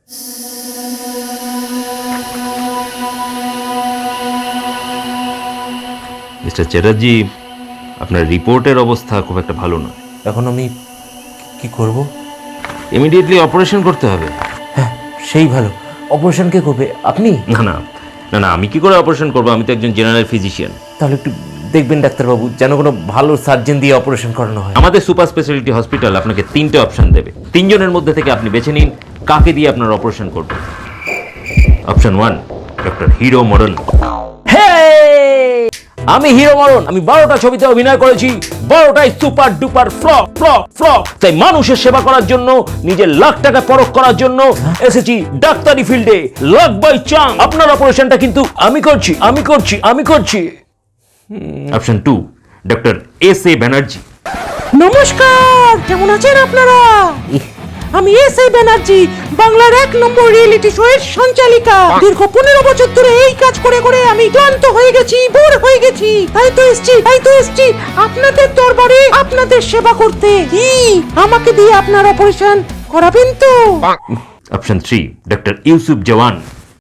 Mister Chatterjee, আপনার রিপোর্টের অবস্থা খুব একটা ভালো নয়। এখন আমি কি করব? ইমিডিয়েটলি অপারেশন করতে হবে। হ্যাঁ, সেই ভালো। অপারেশন কে করবে? আপনি? না না না না, আমি কি করে অপারেশন করবো? আমি তো একজন জেনারেল ফিজিশিয়ান। তাহলে একটু দেখবেন ডাক্তারবাবু, যেন কোনো ভালো সার্জন দিয়ে অপারেশন করানো হয়। আমাদের সুপার স্পেশালিটি হসপিটাল আপনাকে 3টে অপশন দেবে। 3 জনের মধ্যে থেকে আপনি বেছে নিন কাকে দিয়ে আপনার অপারেশন করবেন। অপশন 1, ডক্টর হিরো মরণ। আমি হিরো মরণ। আমি 12টা ছবিতে অভিনয় করেছি, 12টাই super duper flop flop flop. তাই মানুষের সেবা করার জন্য, নিজের লাখ টাকা পরখ করার জন্য এসেছি ডাক্তারি ফিল্ডে। Luck by chance. আপনার অপারেশনটা কিন্তু আমি করছি, আমি করছি, আমি করছি। Option 2, doctor S A Banerjee. নমস্কার, কেমন আছেন আপনারা? আমি এস.এ. ব্যানার্জি, বাংলার 1 নম্বর রিয়েলিটি শো এর সঞ্চালিকা। দীর্ঘ 15 বছর ধরে এই কাজ করে করে আমি ক্লান্ত হয়ে গেছি, বোর হয়ে গেছি। তাই তো এসছি আপনাদের দরবারে আপনাদের সেবা করতে। কি আমাকে দিয়ে আপনার অপারেশন করাবেন তো? Option 3, doctor Yusuf Jawan.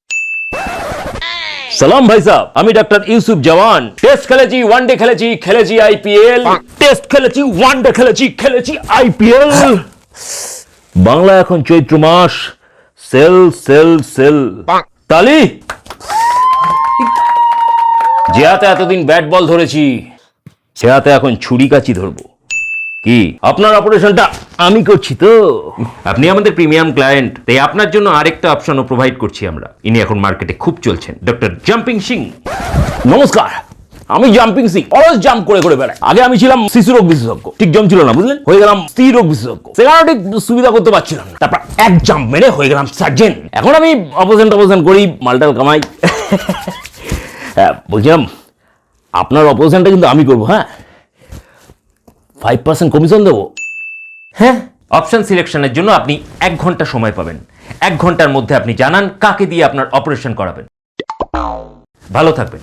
সালাম ভাই সাহেব, আমি ডাক্তার ইউসুফ জওয়ান। টেস্ট খেলেছি, ওয়ানডে খেলেছি, খেলেছি আইপিএল। টেস্ট খেলেছি, ওয়ানডে খেলেছি, খেলেছি আইপিএল। বাংলা এখন চৈত্র মাস। Sale sale sale. তালি। যে হাতে এতদিন ব্যাট বল ধরেছি, সে হাতে এখন ছুরি কাচি ধরবো। কি আপনার অপারেশনটা আমি করছি তো? আপনি আমাদের প্রিমিয়াম ক্লায়েন্ট, তাই আপনার জন্য আরেকটা অপশনও প্রোভাইড করছি আমরা। ইনি এখন মার্কেটে খুব চলছেন, ডক্টর জাম্পিং সিং। নমস্কার, আমি জাম্পিং সিং। অলওয়েজ জাম্প করে করে বেড়াই। আগে আমি ছিলাম শিশু রোগ বিশেষজ্ঞ, ঠিক জম ছিল না, বুঝলেন? হয়ে গেলাম স্ত্রী রোগ বিশেষজ্ঞ। সেখানে ঠিক সুবিধা করতে পারছিলাম না। তারপর এক জাম্প মেরে হয়ে গেলাম সার্জেন। এখন আমি অপারেশন করি, মালটাল কামাই। হ্যাঁ, বলছিলাম আপনার অপারেশনটা কিন্তু আমি করবো। হ্যাঁ, 5% কমিশন দেবো। হ্যাঁ, অপশন সিলেকশনের জন্য আপনি 1 ঘন্টা সময় পাবেন। 1 ঘন্টার মধ্যে আপনি জানান কাকে দিয়ে আপনার অপারেশন করাবেন। ভালো থাকবেন।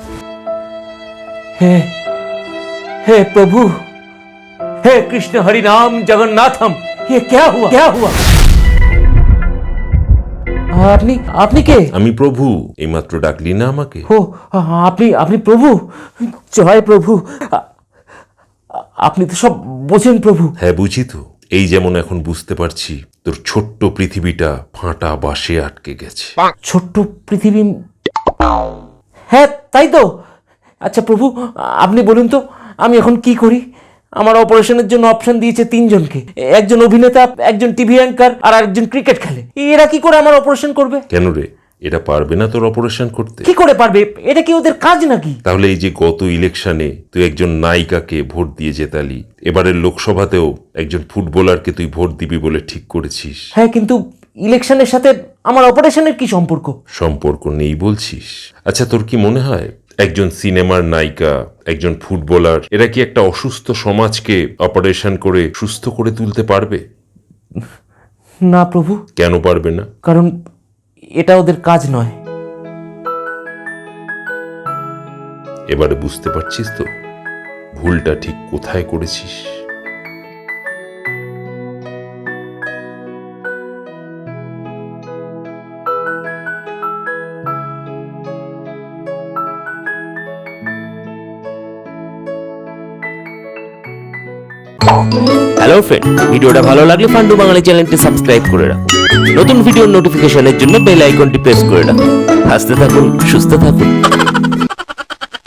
हे हे प्रभु, हे कृष्ण हरि नाम जगन्नाथम। ये क्या हुआ, क्या हुआ? আপনি আপনি কে? আমি প্রভু। এইমাত্র ডাকলি না আমাকে? ও, আপনি আপনি প্রভু। জয় প্রভু। আপনি তো সব বোঝেন প্রভু। হ্যাঁ, বুঝি তো। এই যেমন এখন বুঝতে পারছি তোর ছোট্ট পৃথিবীটা ফাঁটা বাঁশে আটকে গেছে। ছোট্ট পৃথিবী। হ্যাঁ, তাই তো। আচ্ছা প্রভু, আপনি বলুন তো আমি এখন কি করি? আমার অপারেশনের জন্য অপশন দিয়েছে 3 জনকে। একজন অভিনেতা, একজন টিভি অ্যাঙ্কার, আর একজন ক্রিকেট খেলে। এরা কি করে আমার অপারেশন করবে? কেন রে, এরা পারবে না তোর অপারেশন করতে? কি করে পারবে? এটা কি ওদের কাজ নাকি? তাহলে এই যে গত ইলেকশনে তুই একজন নায়িকাকে ভোট দিয়ে জেতালি, এবারের লোকসভাতেও একজন ফুটবলারকে তুই ভোট দিবি বলে ঠিক করেছিস। হ্যাঁ, কিন্তু ইলেকশনের সাথে আমার অপারেশনের কি সম্পর্ক? সম্পর্ক নেই বলছিস? আচ্ছা, তোর কি মনে হয় একজন সিনেমার নায়িকা, একজন ফুটবলার, এরা কি একটা অসুস্থ সমাজকে অপারেশন করে সুস্থ করে তুলতে পারবে? না প্রভু। কেন পারবে না? কারণ এটা ওদের কাজ নয়। এবারে বুঝতে পারছিস তো ভুলটা ঠিক কোথায় করেছিস? হ্যালো ফ্রেন্ড, ভিডিওটা ভালো লাগলে ফান্ডু বাঙালি চ্যানেলটি সাবস্ক্রাইব করে রাখুন। নতুন ভিডিওর নোটিফিকেশনের জন্য বেল আইকনটি প্রেস করে রাখুন। হাসতে থাকুন, সুস্থ থাকুন।